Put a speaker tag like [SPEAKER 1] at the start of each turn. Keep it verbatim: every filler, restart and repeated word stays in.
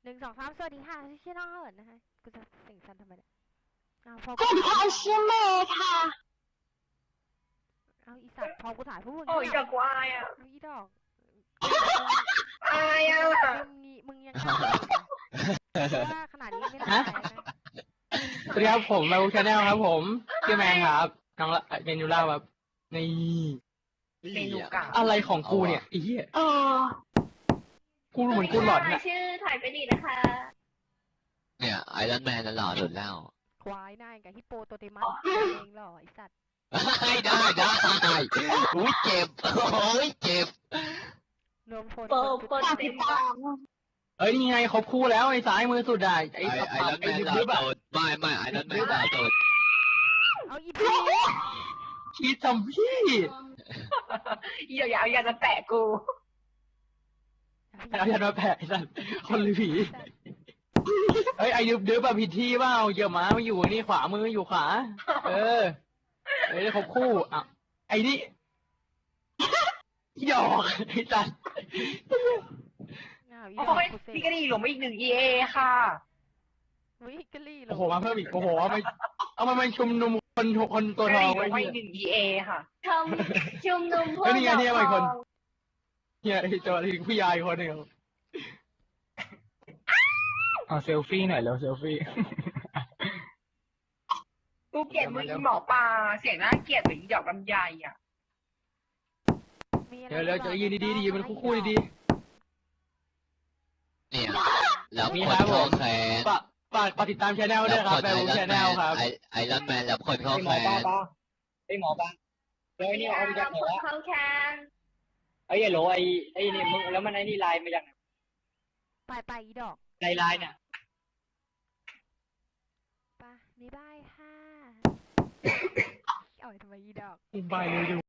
[SPEAKER 1] หนึ่งสองสามสวัสดีค่ะชื่อน้องเหินนะคะกูจะเสียงสั่นทำไมเนี่ยอ้าวพอ
[SPEAKER 2] สวัสดีค่ะชื่อเมย์ค่ะ
[SPEAKER 1] เอาอีสัตว์พอกูถ่ายพวกมึง
[SPEAKER 3] โอ้ย
[SPEAKER 1] เงียบ
[SPEAKER 3] ดอกกูอายอ่ะ
[SPEAKER 1] เอาอีดอก
[SPEAKER 3] อายอ่ะ
[SPEAKER 1] มึงงี้มึงยังกล้าอีกอะเพราะว่าขนาดนี้ไม่ได้แพ้นะ
[SPEAKER 4] สวัสดีครับผมมาบุชาแนลครับผมชื่อแมนครับน้องละเมนูล่าครับนี่
[SPEAKER 3] เมนูเก่า
[SPEAKER 4] อะไรของกูเนี่ยไอ้เหี้ย
[SPEAKER 2] เออ
[SPEAKER 4] กูเหมือนกูหลอนน่ะ
[SPEAKER 3] ชื่อถ่ายไปดีนะคะ
[SPEAKER 5] เนี่ยไอรอนแมนน่ะหล่อสุดแล้ว
[SPEAKER 1] ควายหน้ากับฮิปโปโตเตมัสเองหรอไอสัตว์
[SPEAKER 5] ได้ได้ได้อุ้ยเจ็บโอ้ยเจ็บ
[SPEAKER 1] รวมพล
[SPEAKER 3] โปโป
[SPEAKER 2] ฝากติดตาม
[SPEAKER 4] เอ้ยนี่ไงครบคู่แล้วไอ้ซ้ายมือสุดอ่ะไอ้
[SPEAKER 5] ไอ
[SPEAKER 4] ตับ
[SPEAKER 5] ไอ
[SPEAKER 4] ตั
[SPEAKER 5] ร
[SPEAKER 4] บ
[SPEAKER 5] อนแม
[SPEAKER 4] ไอ้
[SPEAKER 5] น
[SPEAKER 4] ดึบ
[SPEAKER 5] หล่อ
[SPEAKER 4] ดึบอ่ะ
[SPEAKER 5] สุดไม่ไม่ไอรอนแมนหล่อสุด
[SPEAKER 1] เอาอีพี
[SPEAKER 4] คิดทำพี่
[SPEAKER 3] อย่าอย่าอย่าจะแตะกู
[SPEAKER 4] เอาอย่ามาแผลไอ้สัตว์คนหรือผีเฮ้ยไอ้ดึบดึบแบบผิดที่เปล่าเกี่ยวม้ามาอยู่นี่ขวามืออยู่ขวาเออเฮ้ยครบคู่อ่ะไอ้นี่หยอกไอ้สัตว์
[SPEAKER 1] อ้าวอี
[SPEAKER 3] โอ้
[SPEAKER 1] ดอก
[SPEAKER 3] ย
[SPEAKER 1] กูเซ็
[SPEAKER 3] พี่กระดิ่งหลงมาอีกหนึ่ง อี เอ ค่ะ
[SPEAKER 1] วิกลี่เหร
[SPEAKER 4] โอ้โหมาเพิ่มอีกโอ้โหเอามาเอามาเป็นชุมนุมคนคนตัว
[SPEAKER 3] ก
[SPEAKER 4] ท
[SPEAKER 3] ระ
[SPEAKER 4] อง
[SPEAKER 3] ดิ่งหล
[SPEAKER 4] ไว้
[SPEAKER 3] งมา
[SPEAKER 4] เฮี
[SPEAKER 3] อี
[SPEAKER 4] ย
[SPEAKER 3] กหนึ่ง อี เอ ค่ะ
[SPEAKER 2] ทำชุมนุมพวก
[SPEAKER 4] เฮ้ยนี่ไงนี่ไง
[SPEAKER 2] ดอก
[SPEAKER 4] คน
[SPEAKER 2] ทอง
[SPEAKER 4] เฮียไอ้เจอที่ผู้ยายคนหนึ่งเอาเซลฟี่หน่อยแล้วเซลฟี่
[SPEAKER 3] กูเกลียดมึงอีหมอปลาเสียงน่าเกลียดเหมือนอีดอกลำไยอ่ะ
[SPEAKER 1] มีอะไร
[SPEAKER 4] เดี๋ยวเราจะยืนดีๆดีมันคู่ๆดี
[SPEAKER 5] เนี่ยแล้ว
[SPEAKER 4] มี
[SPEAKER 5] ค
[SPEAKER 4] คนรับผม
[SPEAKER 5] เข้าแขน
[SPEAKER 4] ๆฝากฝากฝากติดตามช anel ด้วยครับ
[SPEAKER 5] ค
[SPEAKER 4] แบ
[SPEAKER 5] น
[SPEAKER 4] บ
[SPEAKER 5] ไอรอน
[SPEAKER 4] ช
[SPEAKER 5] แม
[SPEAKER 4] anel
[SPEAKER 5] น
[SPEAKER 4] ครับ
[SPEAKER 5] ไอไอรอนแมนแล้วคนเข้า
[SPEAKER 4] ไอ้ห
[SPEAKER 5] แข
[SPEAKER 4] มอน ปลาปลาไอ้หมอปลาเลยนี่เอาไปจากไหน
[SPEAKER 2] คน
[SPEAKER 4] วะ
[SPEAKER 2] เขาแคน
[SPEAKER 4] ไอ้โหลไอ้ไอ้นี่มึงแล้วมันไอ้นี่ลายมาจากไหน
[SPEAKER 1] ไปไปอีดอก
[SPEAKER 4] ลายลายเนี่ย
[SPEAKER 1] ไปบ๊ายบายค่ะเอาไว้ทำไมอีดอก
[SPEAKER 4] อุบายเลยดู